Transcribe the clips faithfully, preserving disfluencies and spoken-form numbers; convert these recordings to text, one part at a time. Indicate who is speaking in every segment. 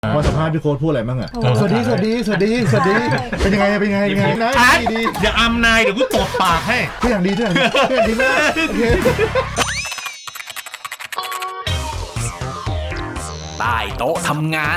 Speaker 1: ว่าสัมภาษณ์พี่โค้ดพูดอะไรบ้างอ่ะสวัสดีสวัสดีสวัสดีสวัสดีเป็นยังไงเป็นยังไงเป็นยังไงนะดีดี
Speaker 2: อย่าอำนายเดี๋ยวกูตบปากให้
Speaker 1: ทุกอย่างดีทุกอย่างดีทุกอย่างดีมากโอเค
Speaker 3: ใต้โต๊ะทำงาน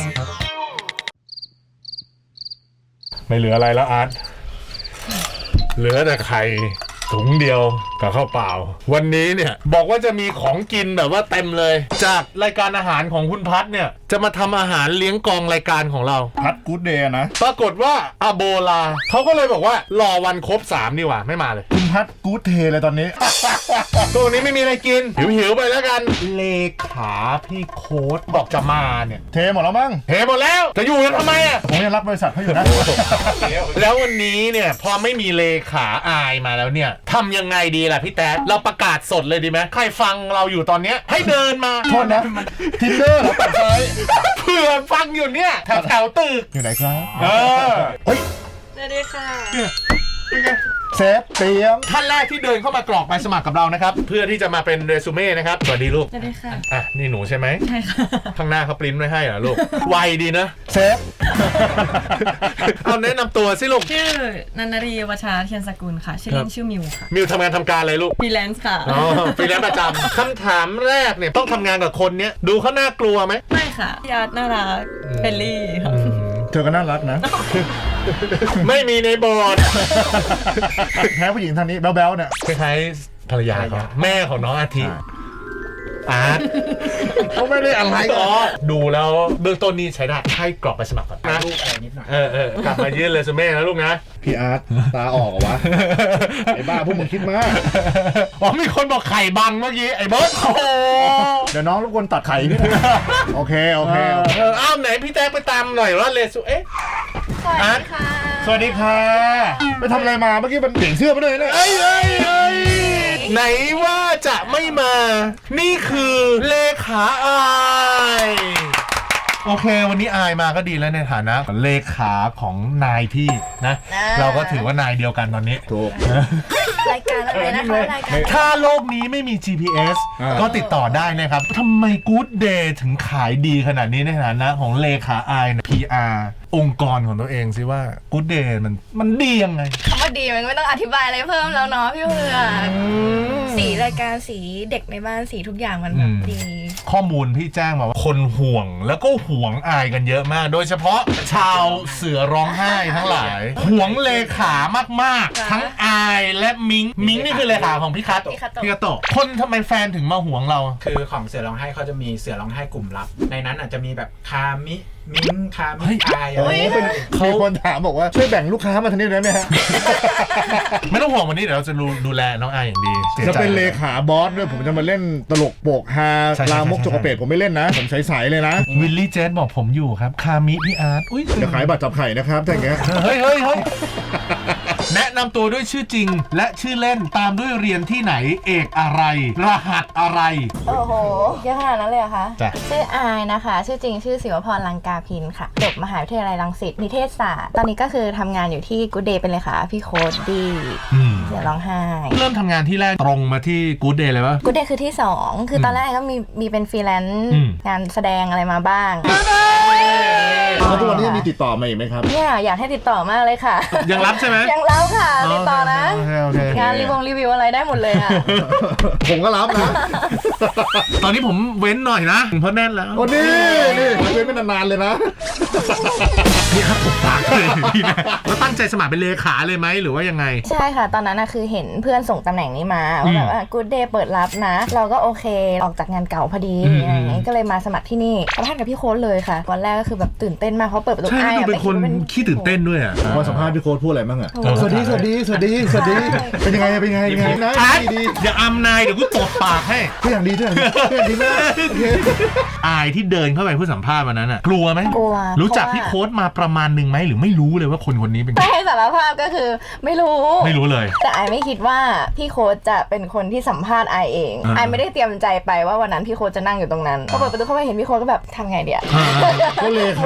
Speaker 2: ไม่เหลืออะไรแล้วอาร์ตเหลือแต่ไข่ถุงเดียวกับข้าวเปล่าวันนี้เนี่ยบอกว่าจะมีของกินแบบว่าเต็มเลยจากรายการอาหารของคุณพัทเนี่ยจะมาทำอาหารเลี้ยงกองรายการของเรา
Speaker 1: พัดกู๊ดเดย์นะ
Speaker 2: ปรากฏว่าอาโบลาเขาก็เลยบอกว่ารอวันครบสามดีกว่าไม่มาเลย
Speaker 1: คุณพัดกู๊ดเทเลยตอนนี้
Speaker 2: ตัวนี้ไม่มีอะไรกินหิวๆไปแล้วกันเลขาพี่โค้ดบอกจะมาเนี่ย
Speaker 1: เทหมดแล้วมั้ง
Speaker 2: เทหมดแล้วจะอยู่กันทำไมอ่ะ
Speaker 1: ผมยังรับบริษัทเขาอยู่นะ
Speaker 2: แล้ววันนี้เนี่ยพอไม่มีเลขาอายมาแล้วเนี่ยทำยังไงดีล่ะพี่แต๊ดเราประกาศสดเลยดีไหมใครฟังเราอยู่ตอนเนี้ยให้เดินมา
Speaker 1: โทษนะทินเดอร์เหรอตัดไฟ
Speaker 2: เผื่อฟังอยู่เนี่ยแถวแถวตึก
Speaker 1: อยู่ไหนครับ
Speaker 2: เออเฮ้ย
Speaker 4: สวัสดีค่ะ
Speaker 1: เซฟเตรียม
Speaker 2: ท่านแรกที่เดินเข้ามากรอกใบสมัครกับเรานะครับเพื่อที่จะมาเป็นเรซูเม่นะครับสวัสดีลูก
Speaker 4: สวัสดีค่ะ
Speaker 2: อ่ะนี่หนูใช่ไหม
Speaker 4: ใช่ค่ะ
Speaker 2: ข้างหน้าเขาปริ้นไว้ให้เหรอลูกไวดีนะ
Speaker 1: เซฟ
Speaker 2: เอาแนะนำตัวสิลูก
Speaker 4: ชื่อนันนรีวชาเทียนสกุลค่ะชื่อเล่นชื่อมิวค่ะ
Speaker 2: มิวทำงานทำการอะไรลูก
Speaker 4: ฟรีแลนซ์ค่ะ
Speaker 2: อ๋อฟรีแลนซ์ประจำคำถามแรกเนี่ยต้องทำงานกับคนเนี้ยดูเขาน่ากลัวไหม
Speaker 4: ไม่ค่ะญาติน่ารักเฟรนลี่ค่ะ
Speaker 1: เธอก็น่ารักนะ
Speaker 2: ไม่มีในบอร์ด
Speaker 1: แพ้ผู้หญิงทางนี้แบ๊วๆเนี่ย
Speaker 2: คล้ายๆภรรยาเขาแม่ของน้องอาทิอาร์ต
Speaker 1: เขาไม่ได้อะไร
Speaker 2: อ๋อดูแล้วเบื้องต้นนี้ใช้ได้ให้กรอกไปสมัครก่อนนะ
Speaker 3: ลูกอะไรนิดหน่อย
Speaker 2: เออเออกลับมายื่นเรซูเม่นะลูกนะ
Speaker 1: พี่อาร์ตตาออกเหรอวะไอ้บ้าพวกมึงคิดมาก
Speaker 2: อ๋อมีคนบอกไข่บังเมื่อกี้ไอ้เบิร์ดโอ้
Speaker 1: เดี๋ยวน้องรบกวนตัดไข่พี่นะโอเคโอเค
Speaker 2: เอออ้าวไหนพี่แจ๊คไปตามหน่อยว่าเรซูเอ๊ะ
Speaker 4: สวัสดีค่ะ
Speaker 1: สวัสดีค่ะไปทำอะไรมาเมื่อกี้มันเปลี่ยนเสื้อมาเลยนะ
Speaker 2: เอ้ยเอ้ยเอ้ยไหนว่าจะไม่มานี่คือเลขาอายโอเควันนี้อายมาก็ดีแล้วในฐานะเลขาของนายพี่นะเราก็ถือว่านายเดียวกันตอนนี้
Speaker 1: ถูก
Speaker 4: รายการอะไรนะคะรายการ
Speaker 2: ถ้าโลกนี้ไม่มี จี พี เอส ก็ติดต่อได้นะครับทำไม Good Day ถึงขายดีขนาดนี้ในฐานะของเลขาอาย พี อาร์ องค์กรของตัวเองสิว่า Good Day มันมันดียังไง
Speaker 4: คำว่าดีมันไม่ต้องอธิบายอะไรเพิ่มแล้วเนาะพี่เพื่อนสีรายการสีเด็กในบ้านสีทุกอย่างมันแบบดี
Speaker 2: ข้อมูลพี่แจ้งมาว่าคนห่วงแล้วก็ห่วงอายกันเยอะมากโดยเฉพาะชาวเสือร้องไห้ทั้งหลายห่วงเลขามากๆทั้งอายและมิงมิงนี่คือเลขาของพี่คัตพี่คัตโตะคนทำไมแฟนถึงมาห่วงเรา
Speaker 3: คือของเสือร้องไห้เขาจะมีเสือร้องไห้กลุ่มลับในนั้นอาจจะมีแบบคามิมิ้งคามิอายอะไร
Speaker 1: เป็นมีคนถามบอกว่าช่วยแบ่งลูกค้ามาทางนี้ได้ไหมฮะ
Speaker 2: ไม่ต้องห่วงวันนี้เดี๋ยวเราจะดูแลน้องอายอย่างดี
Speaker 1: จะเป็นเลขาบอสด้วยผมจะมาเล่นตลกโปกฮาลามกโจกเปรตผมไม่เล่นนะผมใสๆเลยนะ
Speaker 2: วิลลี่เจสบอกผมอยู่ครับคามิพี่อาร์ตอุ้ย
Speaker 1: จะขายบัตรจับไข่นะครับถ้าอย่างเงี้ย
Speaker 2: เฮ้ยเฮ้ยเฮ้ยแนะนำตัวด้วยชื่อจริงและชื่อเล่นตามด้วยเรียนที่ไหนเอกอะไรรหัสอะไร
Speaker 4: โอ้โหเยอะขนาดนั้นเลยเหรอคะชื่ออายนะคะชื่อจริงชื่อศิวพรลังกาพินค่ะจบมหาวิทยาลัยรังสิตนิเทศศาสตร์ตอนนี้ก็คือทำงานอยู่ที่ Good Day เป็นเลยค่ะพี่โค้ดดีเดี๋ยวร้องไห้
Speaker 2: เริ่มทำงานที่แรกตรงมาที่ Good Day เลยปะ
Speaker 4: Good Day คือที่สองคือตอนแรกก็มีมีเป็นฟรีแลนซ์งานแสดงอะไรมาบ้าง
Speaker 1: แล้วทุกวันนี้มีติดต่อมาอีกไหมครับ
Speaker 4: เนี่ยอยากให้ติดต่อมากเลยค่ะ
Speaker 2: ยังรับใช่ไหม
Speaker 4: ยังรับค่ะติดต่อนะงานรีวิวรีวิวอะไรได้หมดเลยอ่ะ
Speaker 1: ผมก็รับนะ
Speaker 2: ตอนนี้ผมเว้นหน่อยนะเพราะแน่นแล้ว
Speaker 1: โอ้นี่นี่เว้นไม่นานๆเลยนะ
Speaker 2: นี่ครับผมปากเลยพี่นะแล้วตั้งใจสมัครเป็นเลขาเลยไหมหรือว่ายังไง
Speaker 4: ใช่ค่ะตอนนั้นนะคือเห็นเพื่อนส่งตำแหน่งนี้มาว่าแบบว่า Good Day เปิดรับนะเราก็โอเคออกจากงานเก่าพอดีอย่างงี้ก็เลยมาสมัครที่นี่สัมภาษณ์กับพี่โค้ดเลยค่ะวันแรกก็คือแบบตื่นเต้นมากเขาเปิดประตู
Speaker 2: ใช่เป็นคนขี้ตื่นเต้นด้วยอ่ะ
Speaker 1: พอสัมภาษณ์พี่โค้ดพูดอะไรบ้างอ่ะสวัสดีสวัสดีสวัสดีสวัสดีเป็นยังไงเป็นยังไงเป็นยังไงนะ
Speaker 2: ดีดีอย่าอำนายเดี๋ยวกูตบปากให้
Speaker 1: ทุกอย่างดีทุกอย่างดีทุกอย่างดีมาก
Speaker 2: อายที่เดินเข้าไปเพื่อสัมภาษณ์วันนั้นอ่ะกลัวไหม
Speaker 4: กลัว
Speaker 2: รู้จักพี่โค้ดมาประมาณหนึ่งไหมหรือไม่รู้เลยว่าคนคนนี้เป็น
Speaker 4: ไม่ให้สารภาพก็คือไม่รู้
Speaker 2: ไม่รู้เลย
Speaker 4: แต่อายไม่คิดว่าพี่โค้ดจะเป็นคนที่สัมภาษณ์อายเองอายไม่ได้เตรียมใจไปว่าวันนั้นพี่โค้ดจะนั่งอยู่ตรงนั้นพอเปิดประตูเข้าไปเห็นพี่โค้ดก็แบบทำไงเดียว
Speaker 1: ก็เลยขาเขา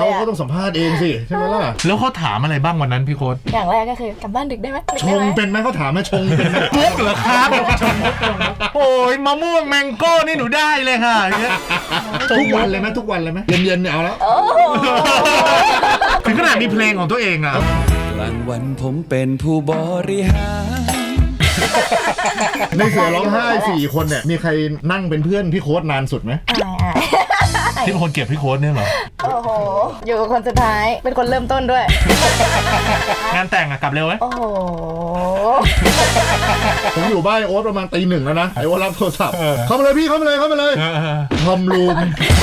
Speaker 1: เขาก็ต้องสัมภาษณ์เองสิใช่ไหมล่ะ
Speaker 2: แล้วเขาถามอะไรบ้างวันนั้นพี่โค้ด
Speaker 4: อย่างแรกก็คือกลับบ้านดึกได้ไหมดึก
Speaker 1: ช
Speaker 4: ได้
Speaker 1: ง
Speaker 4: ไหม
Speaker 1: เป็นไหมเขาถามไหมชงเป็นไหม
Speaker 2: มุกเหรอครับโอ้ยมะม่วงแมงโก้นี่หนูได้เลยค่ะอย่างเงี้ย
Speaker 1: ทุกวันเลยไหมทุกวันเลยไหมเย็นๆเนี่ยเอาแล้ว
Speaker 4: โอ้โห
Speaker 2: ถึงขนาดมีเพลงของตัวเองอ่ะ
Speaker 5: กลางวันผมเป็นผู้บริหาร
Speaker 1: ในเสือร้องไห้สี่คนเนี่ยมีใครนั่งเป็นเพื่อนพี่โค้ดนานสุดไหม
Speaker 4: อายอาย
Speaker 2: ที่เป็นคนเก็บพี่โค้ดเนี่ยเหรอ
Speaker 4: โอ้โห อยู่กับคนสุดท้ายเป็นคนเริ่มต้นด้วย
Speaker 2: งานแต่งอะกลับเร็วไหม
Speaker 4: โอ้โห
Speaker 1: ผมอยู่บ้านโอ๊ตประมาณตีหนึ่งแล้วนะไอ้โอ๊ตรับโทรศัพท์เข้ามาเลยพี่เข้ามาเลยเข้ามาเลยทอมรูม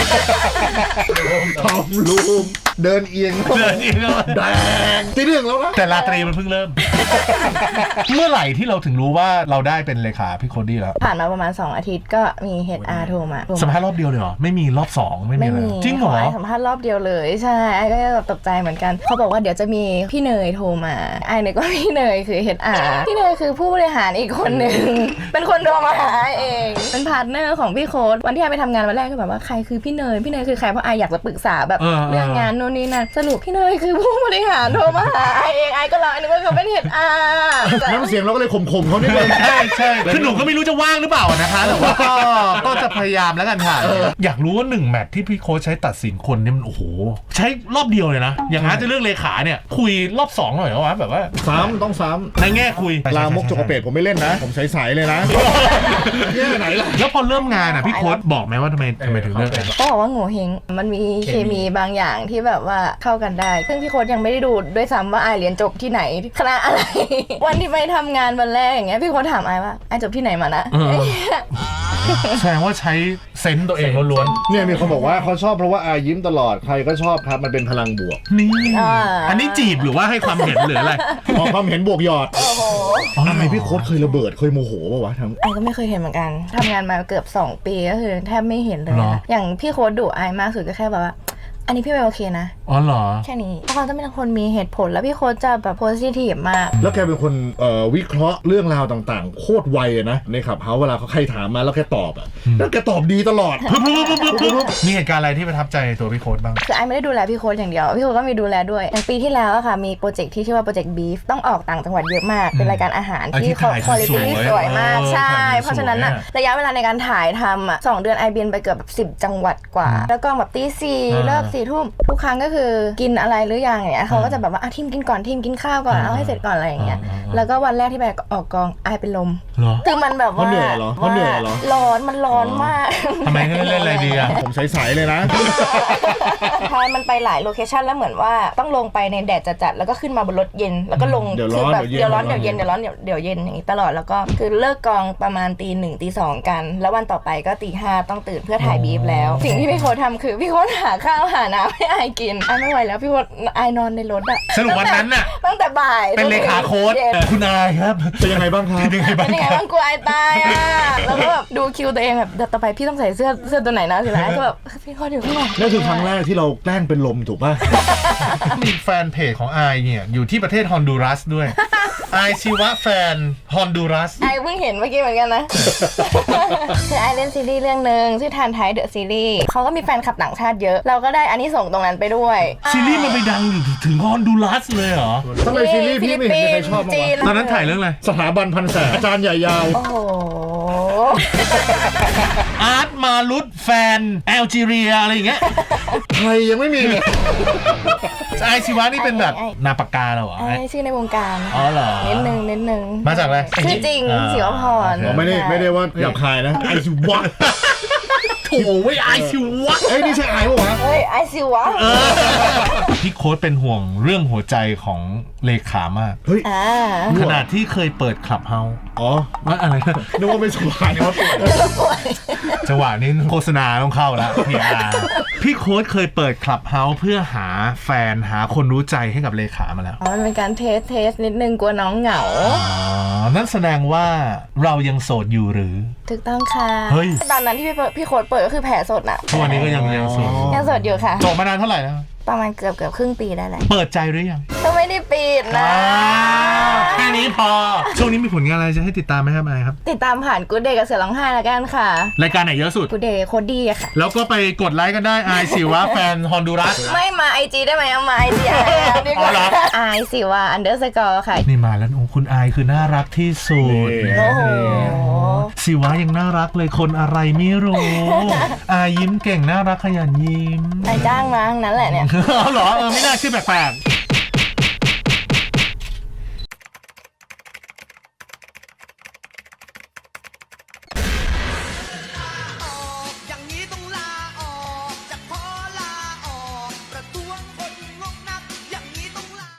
Speaker 1: ทอมรูมเดินเอียง
Speaker 2: เดินอีกแล้ว
Speaker 1: แดงตีหนึ่งแล้วนะ
Speaker 2: แต่ราตรีมันเพิ่งเริ่ม เมื่อไหร่ที่เราถึงรู้ว่าเราได้เป็นเลขาพี่โค้ดดี้แล้ว
Speaker 4: ผ่านมาประมาณสองอาทิตย์ก็มี เอช อาร์ โทรมา
Speaker 2: สัมภาษณ์รอบเดียวเลยเหรอไม่มีรอบสองไม่มี
Speaker 4: ไม่
Speaker 2: อะไร
Speaker 4: มี
Speaker 2: จริงเหรอ
Speaker 4: ขสัมภาษณ์รอบเดียวเลยใช่ไอ้ก็แบบตกใจเหมือนกันเขาบอกว่าเดี๋ยวจะมีพี่เนยโทรมาไอ้เนี่ยก็พี่เนยคือ เอช อาร์ พี่เนยคือผู้บริหารอีกคนหนึ่ง เป็นคนโทรมาหาไอ้เองเป็นพาร์ทเนอร์ของพี่โค้ดวันที่ไอ้ไปทำงานวันแรกก็แบบว่าใครคือพี่เนยพี่เนยคือใครเพราะไอ้อยากจะปรึกษาแบบ
Speaker 2: เออ
Speaker 4: เรื่องงานโน่นนี่นั่นสรุปพี่เนยคือผู้บริหารโทรมาหาไอ้เองไอ้ก็รอไอ้นึกว่าเขาเป็น เอช อาร์
Speaker 1: น้ำเสียงเราก็เลยข่มๆเขานิดนึง
Speaker 2: ใช่ใช่คือหนูก็ไม่รู้จะว่างหรือเปล่านะคะแต่ว่าก็ก็จะพยายามแล้วกันค่ะอยากรู้ว่าหนึ่งแมตช์ที่พี่โค้ชใช้ตัดสินคนเนี่ยมันโอ้โหใช้รอบเดียวเลยนะอย่างนั้นจะเรื่องเลขาเนี่ยคุยรอบสองหน่อยเหรอวะแบบว่า
Speaker 1: ซ้ำต้องซ้
Speaker 2: ในแง่คุย
Speaker 1: ำลามกจกกระเปดผมไม่เล่นนะ ผมใสๆเลยนะเนี่ยไหนล่ะ
Speaker 2: แล้วพอเริ่มงานอ่ะพี่โค้ชบอกไหมว่าทำไมทำไมถึงเลิกกัน
Speaker 4: ก็บอกว่าโง่เฮงมันมีเคมีบางอย่างที่แบบว่าเข้ากันได้ ซึ่งพี่โค้ดยังไม่ได้ดูด้วยซ้ำว่าไอายเรียนจบที่ไหนคณะอะไร วันที่ไปทำงานวันแรกอย่างเงี้ยพี่โค้ดถามไอายว่าไอายจบที่ไหนมานะ
Speaker 2: เออ แสดงว่าใช้เซนส์ตัวเองล้วน
Speaker 1: เนี่ยมีคนบอกว่าเขาชอบเพราะว่าอายิ้มตลอดใครก็ชอบครับมันเป็นพลังบวก
Speaker 2: ๆนี่
Speaker 4: อ่า
Speaker 2: อันนี้จีบหรือว่าให้ความเห็นหรืออะไร
Speaker 1: ออกความเห็นบวกหยอด
Speaker 4: โอ้โห
Speaker 1: ทำไมพี่โค้ดเคยระเบิดเคยโมโหป่าวะทำ
Speaker 4: ไอายก็ไม่เคยเห็นเหมือนกันทำงานมาเกือบสองปีก็คือแทบไม่เห็นเลย
Speaker 2: หรอ
Speaker 4: นะอย่างพี่โค้ดดุไอายมากสุดก็แค่แบบว่า อันนี้พี่ไม่โอเคนะ
Speaker 2: อ๋อเหรอ
Speaker 4: แค่นี้เพราะเขาจะเป็นคนมีเหตุผลแล้วพี่โค้ดจะแบบโพสิทีฟมาก
Speaker 1: แล้วแกเป็นคนเอ่อวิเคราะห์เรื่องราวต่างๆ โคตรไวอะนะในขับเฮาเวลาเขาใครถามมาแล้วแกตอบอะแล้วแกตอบดีตลอด
Speaker 2: ปุ๊บปุ๊บปุ๊บปุ๊บปุ๊บมีเหตุการณ์อะไรที่ประทับใจในตัวพี่โค้ดบ้าง
Speaker 4: คือไอไม่ได้ดูแลพี่โค้ดอย่างเดียว พี่โค้ดก็มีดูแลด้วย อย่างปีที่แล้วอะค่ะ มีโปรเจกต์ที่ชื่อว่าโปรเจกต์บีฟต้องออกต่างจังหวัดเยอะมาก เป็นรายการอาหาร
Speaker 2: อ่ะที่
Speaker 4: ที่
Speaker 2: ถ่าย
Speaker 4: คุณภาพ
Speaker 2: สวยๆ
Speaker 4: สวยมาก
Speaker 2: เออ
Speaker 4: ใช่
Speaker 2: ถ่ายสวยๆ
Speaker 4: เพราะฉะนั้นอะ
Speaker 2: อะ
Speaker 4: ระยะเวลาในการถ่ายทำอะสองเดือนไอบินไปเกือบแบบสิบจังหวัดกว่า แล้วก็แบบตีสี่
Speaker 2: อ่า
Speaker 4: เลิกสี่ทุ่มทุกครั้งก็คือกินอะไรหรือยังอย่างเงี้ยเขาก็จะแบบว่าอ่ะทีมกินก่อนทีมกินข้าวก่อน
Speaker 2: อ่า
Speaker 4: เอาให้เสร็จก่อนอะไรอย่างเงี้ย
Speaker 2: อ่าอ่า
Speaker 4: แล้วก็วันแรกที่ไปออกกองไอเป็นลม
Speaker 2: เหรอ
Speaker 4: คือมันแบบว่า
Speaker 1: เพราะเหนื่อยเหรอเพราะเหนื่อยเหรอ
Speaker 4: ร้อนมันร้อนมาก
Speaker 2: ทำไมให้เล่นอะไรดีอ่ะ
Speaker 1: ผมใสๆเลยนะ
Speaker 4: ใช่มันไปหลายโลเคชันแล้วเหมือนว่าต้องลงไปในแดดจัดๆแล้วก็ขึ้นมาบนรถเย็น แล้วก็ลง
Speaker 1: เดี๋ยวร้
Speaker 4: คื
Speaker 1: อน
Speaker 4: แบบ
Speaker 1: เดี๋
Speaker 4: เดี๋
Speaker 1: ย
Speaker 4: ยว ว
Speaker 1: เย็
Speaker 4: ร้อน นเดี๋ยวเย็นเดี๋ยวร้อนเดี๋ยวเดี๋ยวเย็นอย่างนี้ตลอดแล้วก็คือเลิกกองประมาณตีหนึ่งตีสองกัน แล้ววันต่อไปก็ตีห้าต้องตื่นเพื่อถ่ายบีฟแล้ว สิ่งที่พี่โค้ดทำคือพี่โค้ดหาข้าวหาน้ำให้ไอายกินไอายไม่ไหวแล้วพี่โค้ดไอายนอนในรถอะ
Speaker 2: สรุปวันนั้นน่ะ
Speaker 4: ตั้งแต่บ่าย
Speaker 2: เป็นเลขาโค้ด
Speaker 4: เย็น
Speaker 2: คุณนายครับ
Speaker 1: เป็นยังไงบ้างครับ
Speaker 2: เป็นยังไงบ้า
Speaker 4: เป็
Speaker 2: ง
Speaker 4: นยังไงบ้างกูไอายตายอะแล้วก็แบบดูคิวตัวเองแบบเดี๋ยวต่อไปพี่ต้องใส่เสื้อเสื้อตัวไหนนะสิแล้วก็แบบพี่โค้ดอยู่ข้างหลัง
Speaker 1: นั่นคือครั้งแรกที่เราแกล้งเป็นลมถูกป่ะ
Speaker 2: มีแฟนเพจของไอเนี่ยอยู่ที่ประเทศฮอนดูรัสด้วยไอชีวะแฟนฮอนดูรัส
Speaker 4: ไอเพิ่งเห็นเมื่อกี้เหมือนกันนะ คือไอเล่นซีรีส์เรื่องหนึ่งชื่อทานไทยเดอะซีรีส์เขาก็มีแฟนคลับต่างชาติเยอะ เราก็ได้อันนี้ส่งส์ตรงนั้นไปด้วย
Speaker 2: ซีรีส์มันไปดังอยู่ถึงฮอนดูรัสเลยเหรอ
Speaker 1: ทำไมซีรีส์พี่ไม่เห็นมีใครชอบบ้าง
Speaker 4: จี
Speaker 1: วะ
Speaker 2: ตอนนั้นถ่ายเรื่องอะไร
Speaker 1: สถาบันพันแสนอาจารย์ใหญ่ยาว
Speaker 4: โอ้โห
Speaker 2: อาร์ตมาลุดแฟนแอลจีเรียอะไรอย่างเงี้ย
Speaker 1: ใครยังไม่มีเลย
Speaker 2: ไอชีวะนี่เป็นแบบนาปากกาเหรอวะ
Speaker 4: ไอชื่อในวงการ
Speaker 2: อ๋อเหรอ
Speaker 4: นิดนึงนิดนึง
Speaker 2: มาจากอะไร
Speaker 4: ชื่อจริง
Speaker 2: อ่า
Speaker 4: ศิวพร
Speaker 1: อ๋อไม่ได้ไม่ได้ว่าหยาบคายนะไอซิวะ
Speaker 2: โถ่ไว้ยไอชีวะ
Speaker 1: เอ้ยนี่ใช่ไอปะวะ
Speaker 4: เฮ้ยไอซิวะ
Speaker 2: พี่โค้ดเป็นห่วงเรื่องหัวใจของเลขามาก
Speaker 1: เฮ้ย
Speaker 4: อ่า
Speaker 2: ขนาดที่เคยเปิดคลับเฮาส์
Speaker 1: อ๋อ
Speaker 2: ว่าอะไรนะ
Speaker 1: นึกว่าไม่สบายว่าปวด
Speaker 2: จังหวะนี้โฆษณาต้องเข้าแล้วพี่อาร์พี่โค้ดเคยเปิดคลับเฮาส์เพื่อหาแฟนหาคนรู้ใจให้กับเลขามาแล้ว
Speaker 4: อ๋อมันเป็นการเทสเทสนิดนึงกลัวน้องเหงา
Speaker 2: อ๋อ นั่นแสดงว่าเรายังโสดอยู่หรือ
Speaker 4: ถูกต้องค่ะ
Speaker 2: เฮ้ย
Speaker 4: ตอนนั้นที่พี่เปิดพี่โค้ดเปิดก็คือแผลสดน่ะ
Speaker 2: ทุกวันนี้ก็ยังยังโสด
Speaker 4: ยังสดอยู่ค่ะ
Speaker 2: โสดมานานเท่าไหร่แล้ว
Speaker 4: ประมาณเกือบเกือบครึ่งปีได้แหละ
Speaker 2: เปิดใจหรือยัง
Speaker 4: เก็ไม่ได้ปิดนะ
Speaker 2: แค่นี้พอ ช่วงนี้มีผลงานอะไรจะให้ติดตามไหมครับไอครับ
Speaker 4: ติดตามผ่านกูเดย์กับเสือร้องไห้แล้วกันค่ะ
Speaker 2: รายการไหนเยอะสุด
Speaker 4: กูเดย์โคตรดีอะค่ะ
Speaker 2: แล้วก็ไปกดไลค์กันได้ไอสิวะแฟนฮอนดูรัส
Speaker 4: ไม่มาไอจีได้ไหมเอามาไอจีไอดีก
Speaker 2: อ๋อเหรอ
Speaker 4: ว่าไอสิว่าอันเดอร์สกอร์ค่ะ
Speaker 2: นี่มาแล้วโอ้คุณไอคือน่ารักที่สุด
Speaker 1: นี่
Speaker 4: โอ้โห
Speaker 2: สิวะยังน่ารักเลยคนอะไรไม่รู้อายิ้มเก่งน่ารักขยันยิ้ม
Speaker 4: ไอจ้างมาทั้งนั้นแหละเนี่ย
Speaker 2: เอาเหรอเออไม่น่าชื่อแปลกๆ